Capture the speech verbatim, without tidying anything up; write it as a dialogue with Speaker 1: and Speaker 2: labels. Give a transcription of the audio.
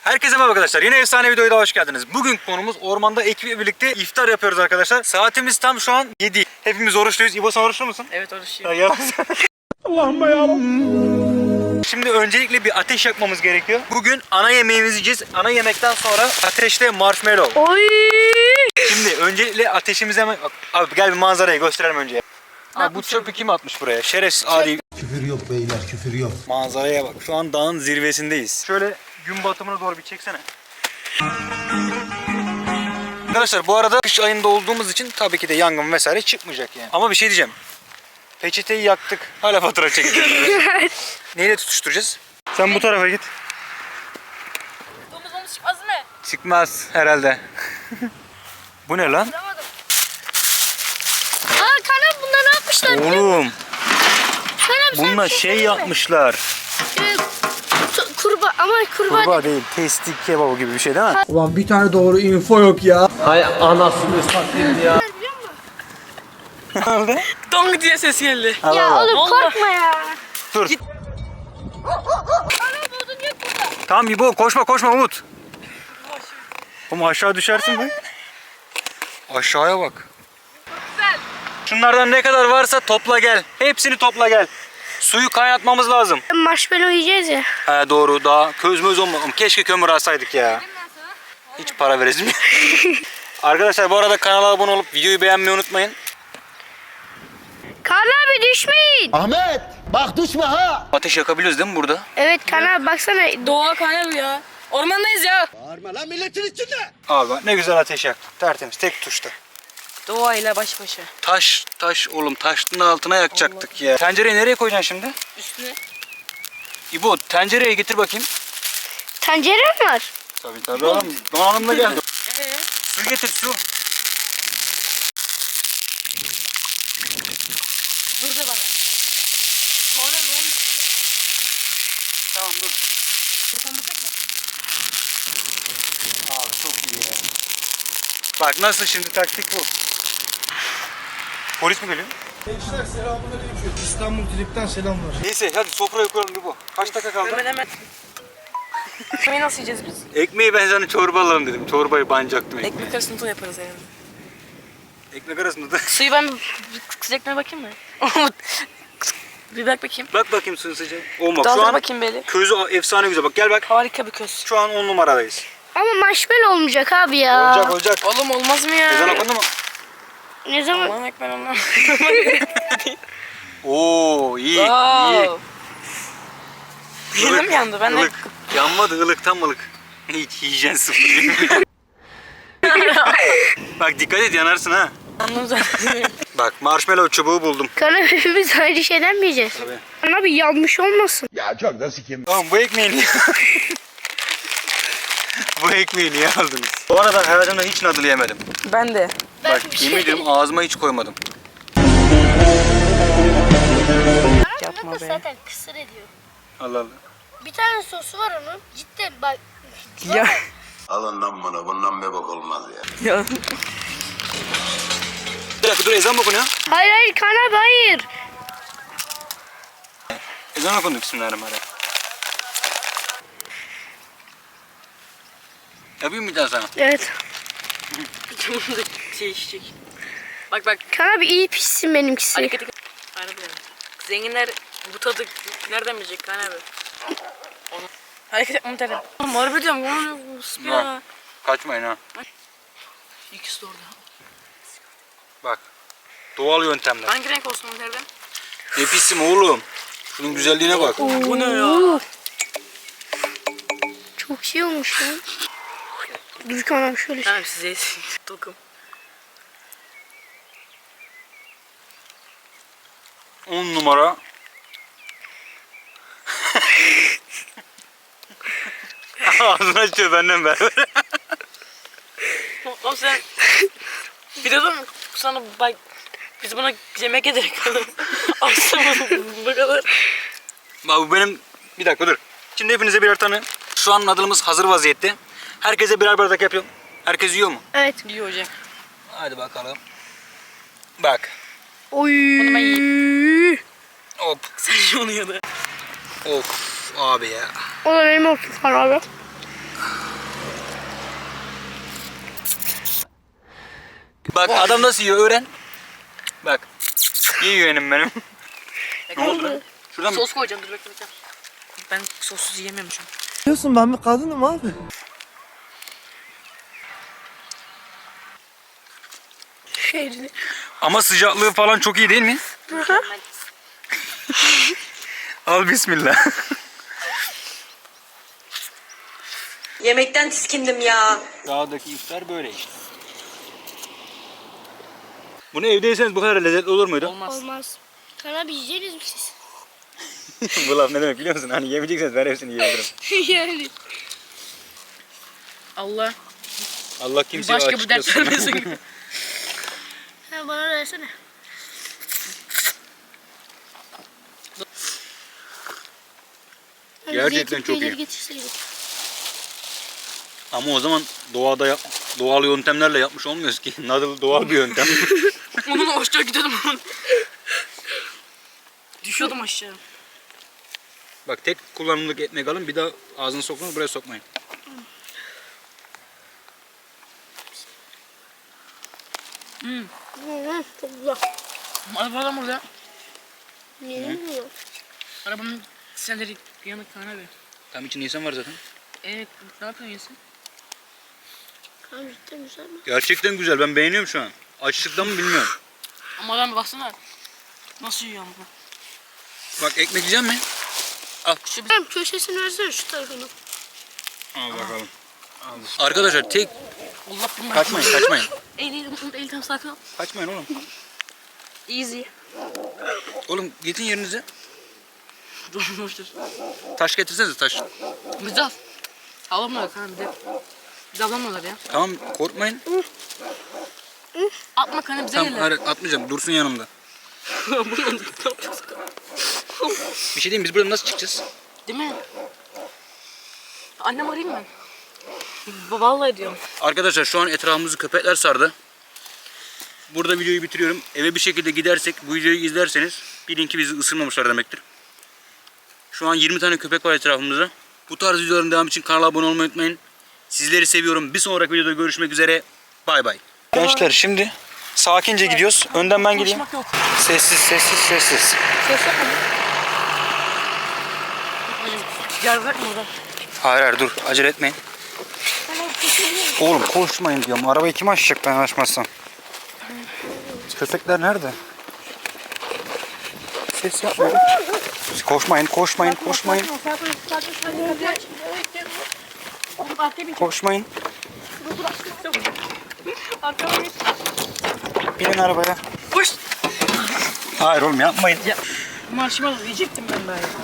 Speaker 1: Herkese merhaba arkadaşlar. Yine efsane videoya da hoş geldiniz. Bugün konumuz ormanda ekiple birlikte iftar yapıyoruz arkadaşlar. Saatimiz tam şu an yedi. Hepimiz oruçluyuz. İbo sen oruçlu musun?
Speaker 2: Evet oruçluyum.
Speaker 1: Ya, yalan. Allah'ım ya. Şimdi öncelikle bir ateş yakmamız gerekiyor. Bugün ana yemeğimizi yiyeceğiz. Ana yemekten sonra ateşte marshmallow.
Speaker 3: Oy!
Speaker 1: Şimdi öncelikle ateşimizi hemen... Abi gel bir manzarayı gösterelim önce. Ha, bu çöpü kim atmış buraya? Şerefsiz adi.
Speaker 4: Küfür yok beyler, küfür yok.
Speaker 1: Manzaraya bak. Şu an dağın zirvesindeyiz. Şöyle gün batımına doğru bir çeksene. Arkadaşlar bu arada kış ayında olduğumuz için tabii ki de yangın vesaire çıkmayacak yani. Ama bir şey diyeceğim. Peçeteyi yaktık. Hala fatura çekeceğiz. Neyle tutuşturacağız? Sen bu tarafa git.
Speaker 2: Domuz domuz çıkmaz mı?
Speaker 1: Çıkmaz herhalde. Bu ne lan?
Speaker 3: Aa Kanan bunlar ne yapmışlar?
Speaker 1: Oğlum.
Speaker 3: Kanan sen
Speaker 1: Bununla
Speaker 3: bir
Speaker 1: şey
Speaker 3: söyleyeyim mi?
Speaker 1: yapmışlar.
Speaker 3: Ee, tu- kurbağa ama kurbağa,
Speaker 1: Kurbağa değil. Testi kebabı gibi bir şey değil mi?
Speaker 5: Ulan bir tane doğru info yok ya. Hay anasını satayım ya.
Speaker 3: biliyor musun?
Speaker 1: Ne oldu?
Speaker 2: Dong diye ses geldi.
Speaker 1: Allah
Speaker 3: Ya
Speaker 1: Allah.
Speaker 3: oğlum
Speaker 2: Vallahi.
Speaker 3: korkma ya.
Speaker 1: Dur.
Speaker 3: Kanan odun yok burada.
Speaker 1: Tamam İbo koşma koşma Umut. Oğlum aşağı düşersin bak. Aşağıya bak.
Speaker 2: Güzel.
Speaker 1: Şunlardan ne kadar varsa topla gel. Hepsini topla gel. Suyu kaynatmamız lazım.
Speaker 3: Marshmallow yiyeceğiz ya.
Speaker 1: He doğru, daha köz möz olmadı. Keşke kömür alsaydık ya. Hiç para veresim yok. Arkadaşlar bu arada kanala abone olup videoyu beğenmeyi unutmayın.
Speaker 3: Kanan abi düşmeyin.
Speaker 4: Ahmet, bak düşme ha.
Speaker 1: Ateş yakabiliyoruz değil mi burada?
Speaker 3: Evet Kanan abi baksana.
Speaker 2: Doğa kanal ya. Ormandayız ya.
Speaker 4: Bağırma lan milletin içinde.
Speaker 1: Abi bak ne güzel ateş yaktık. Tertemiz tek tuşta.
Speaker 2: Doğayla baş başa.
Speaker 1: Taş taş oğlum taşın altına yakacaktık ya. Tencereyi nereye koyacaksın şimdi?
Speaker 2: Üstüne.
Speaker 1: İbo tencereyi getir bakayım.
Speaker 3: Tencere mi var?
Speaker 1: Tabii tabii oğlum. Donanımla geldi.
Speaker 2: Ee,
Speaker 1: Su getir su.
Speaker 2: dur da bana. Sonra ne olmuş?
Speaker 1: Tamam dur.
Speaker 2: Sen bu çekme.
Speaker 1: Abi çok iyi ya. Bak nasıl şimdi taktik bu. Polis mi geliyor?
Speaker 5: Gençler selamünaleyküm. İstanbul Trip'ten selamlar.
Speaker 1: Neyse hadi sofraya koyalım bir bu. Kaç dakika kaldı?
Speaker 2: Hemen hemen. Ekmeği nasıl yiyeceğiz biz?
Speaker 1: Ekmeği ben sana çorba alalım dedim. Çorbayı bancaktım ekmeği.
Speaker 2: Ekmek arasında tuz yaparız yani.
Speaker 1: Ekmek arasında da.
Speaker 2: Suyu ben bir sıcaklığa bakayım mı? Bir bak bakayım.
Speaker 1: Bak bakayım suyun sıcağı. Olma şu
Speaker 2: Daldır
Speaker 1: an
Speaker 2: bakayım böyle.
Speaker 1: közü efsane güzel. Bak gel bak.
Speaker 2: Harika bir köz.
Speaker 1: Şu an on numaradayız.
Speaker 3: Ama marshmallow olmayacak abi ya.
Speaker 1: Olacak olacak.
Speaker 2: Oğlum olmaz mı ya?
Speaker 1: Ezan okundu mu?
Speaker 3: Ne zaman?
Speaker 2: Aman ekmek ondan.
Speaker 1: Oo iyi iyi.
Speaker 2: Wow. Yedim yandı. Ben de
Speaker 1: Ilık. Yanmadı ılık tam ılık. Hiç hijyen sıfır. Bak dikkat et yanarsın ha.
Speaker 2: anladım zaten.
Speaker 1: Bak marshmallow çubuğu buldum.
Speaker 3: Kanan hepimiz aynı şeyden mi yiyeceğiz?
Speaker 1: Tabii.
Speaker 3: Kanan abi yanmış olmasın.
Speaker 4: Ya çok da sikim.
Speaker 1: Oğlum bu ekmeği niye Bu ekmeği niye aldınız? Bu arada hayatımda hiç nadıl yemedim.
Speaker 2: Ben de.
Speaker 1: Bak yemin ediyorum ağzıma hiç koymadım.
Speaker 2: Yapma be.
Speaker 3: Zaten kısır ediyor.
Speaker 1: Allah Allah.
Speaker 3: Bir tane sosu var onun. Cidden bak.
Speaker 2: Ya.
Speaker 4: Alın lan bunu, bundan bir bok olmaz ya.
Speaker 2: Ya.
Speaker 1: Bir dakika dur ezan mı okunuyor?
Speaker 3: Hayır hayır Kanan abi hayır.
Speaker 1: Ezan okundu bismillahirrahmanirrahim. Yapayım bir daha sana.
Speaker 3: Evet.
Speaker 2: şey içecek. Bak bak.
Speaker 3: Kanan abi iyi pişsin benimkisi.
Speaker 2: Hareketi. Harbiden. Zenginler bu tadı nereden bilecek kan abi? Onu. Hareket yapmamı terem. Oğlum harbi diyorum. Oğlum
Speaker 1: Bak. Kaçmayın ha.
Speaker 2: İkisi de orada.
Speaker 1: Bak. Doğal yöntemler.
Speaker 2: Hangi renk olsun o terden?
Speaker 1: Ne pisim oğlum. Şunun güzelliğine bak.
Speaker 2: Bu ne ya?
Speaker 3: Çok şey olmuş lan. Dur Kanan abi şöyle.
Speaker 2: Tamam size tokum.
Speaker 1: on numara. Ağzını açıyor benden beraber.
Speaker 2: Oğlum sen videoda mı sana bak biz buna yemek ederek alalım. Aslında bu kadar.
Speaker 1: Bak bu benim... Bir dakika dur. Şimdi hepinize birer tane. Şu an nadılımız hazır vaziyette. Herkese birer bardak yapıyorum. Herkes yiyor mu?
Speaker 3: Evet.
Speaker 2: İyi hocam.
Speaker 1: Hadi bakalım. Bak.
Speaker 3: Oy.
Speaker 2: Bunu ben yiyeyim.
Speaker 1: Hop.
Speaker 2: Sen onu ya da.
Speaker 1: Of abi ya.
Speaker 3: O da benim olsun Kanan abi.
Speaker 1: Bak adam nasıl yiyor öğren. Bak. İyi yeğenim benim. Ne oldu lan? Şuradan mı?
Speaker 2: Sos koyacağım dur bekle bekle. Ben sossuz yiyemiyorum şu an.
Speaker 5: Diyorsun ben bir kadınım abi.
Speaker 3: Şeydi.
Speaker 1: Ama sıcaklığı falan çok iyi değil mi? Al bismillah.
Speaker 6: Yemekten tiskindim ya.
Speaker 1: Dağdaki iftar böyle işte. Bunu evde yeseniz bu kadar lezzetli olur muydu?
Speaker 2: Olmaz.
Speaker 3: Olmaz. Kan abi yiyeceğiniz mi siz?
Speaker 1: Bu laf ne demek biliyor musun? Hani yemeyecekseniz ben hepsini yiyebilirim.
Speaker 3: Yani.
Speaker 2: Allah
Speaker 1: Allah kimseye
Speaker 2: başka
Speaker 1: aç
Speaker 2: bir dert
Speaker 1: tutmasın.
Speaker 2: vermesin.
Speaker 3: Ha bana versene. Hani
Speaker 1: Gerçekten
Speaker 3: zeytin
Speaker 1: çok
Speaker 3: peyniri
Speaker 1: iyi.
Speaker 3: getirseydik.
Speaker 1: Ama o zaman doğada yap, doğal yöntemlerle yapmış olmuyoruz ki. Nadal doğal bir yöntem.
Speaker 2: Onunla hoşça gidiyordum. Düşüyordum aşağı.
Speaker 1: Bak tek kullanımlık ekmek alın bir daha ağzını sokmayın buraya sokmayın.
Speaker 3: Hı hı, çok güzel.
Speaker 2: Arabadan burada.
Speaker 3: Niye bilmiyorum.
Speaker 2: Arabanın senleri yanık kan abi.
Speaker 1: Tam içinde insan var zaten.
Speaker 2: Evet ne yapıyorsun Yasin?
Speaker 3: Kan cidden güzel mi?
Speaker 1: Gerçekten güzel ben beğeniyorum şu an. Açlıktan mı bilmiyorum.
Speaker 2: Ama adam baksana. Nasıl yiyor ama?
Speaker 1: Bak ekmek yiyecek mi?
Speaker 2: Şu bir
Speaker 3: Tamam köşesini versene şu tarafını.
Speaker 1: Al bakalım. Arkadaşlar tek
Speaker 2: Allah bilmem.
Speaker 1: kaçmayın kaçmayın.
Speaker 2: Eğil eğil eğil eğil tam sakin ol.
Speaker 1: Kaçmayın oğlum.
Speaker 2: Easy.
Speaker 1: Oğlum gidin yerinize.
Speaker 2: Dur dur dur.
Speaker 1: Taş getirsenize taş.
Speaker 2: Bizi al. Alamıyorlar kan bir de. Bizi alamıyorlar ya.
Speaker 1: Tamam korkmayın.
Speaker 2: Atma kanı bize
Speaker 1: Tamam
Speaker 2: gelir.
Speaker 1: hayır, atmayacağım dursun yanımda.
Speaker 2: Buradan ne yapacağız?
Speaker 1: Bir şey diyeyim biz buradan nasıl çıkacağız?
Speaker 2: Değil mi? Annem arayayım mı? Vallahi diyorum.
Speaker 1: Arkadaşlar şu an etrafımızı köpekler sardı. Burada videoyu bitiriyorum. Eve bir şekilde gidersek bu videoyu izlerseniz bilin ki bizi ısırmamışlar demektir. Şu an yirmi tane köpek var etrafımızda. Bu tarz videoların devamı için kanala abone olmayı unutmayın. Sizleri seviyorum. Bir sonraki videoda görüşmek üzere. Bay bay. Gençler şimdi sakince gidiyoruz. Önden ben gideyim.
Speaker 2: Konuşmak yok.
Speaker 1: Sessiz sessiz sessiz.
Speaker 2: Ses yapma. Yer bırakma oradan.
Speaker 1: Hayır hayır dur acele etmeyin. Oğlum koşmayın diyorum. Arabayı kim açacak ben açmazsam? Köpekler nerede? Ses yapmayın. Koşmayın, koşmayın, koşmayın. Koşmayın. Binin arabaya.
Speaker 2: Koş.
Speaker 1: Hayır oğlum yapmayın.
Speaker 2: Ya marshmallow yiyecektim ben daha ya.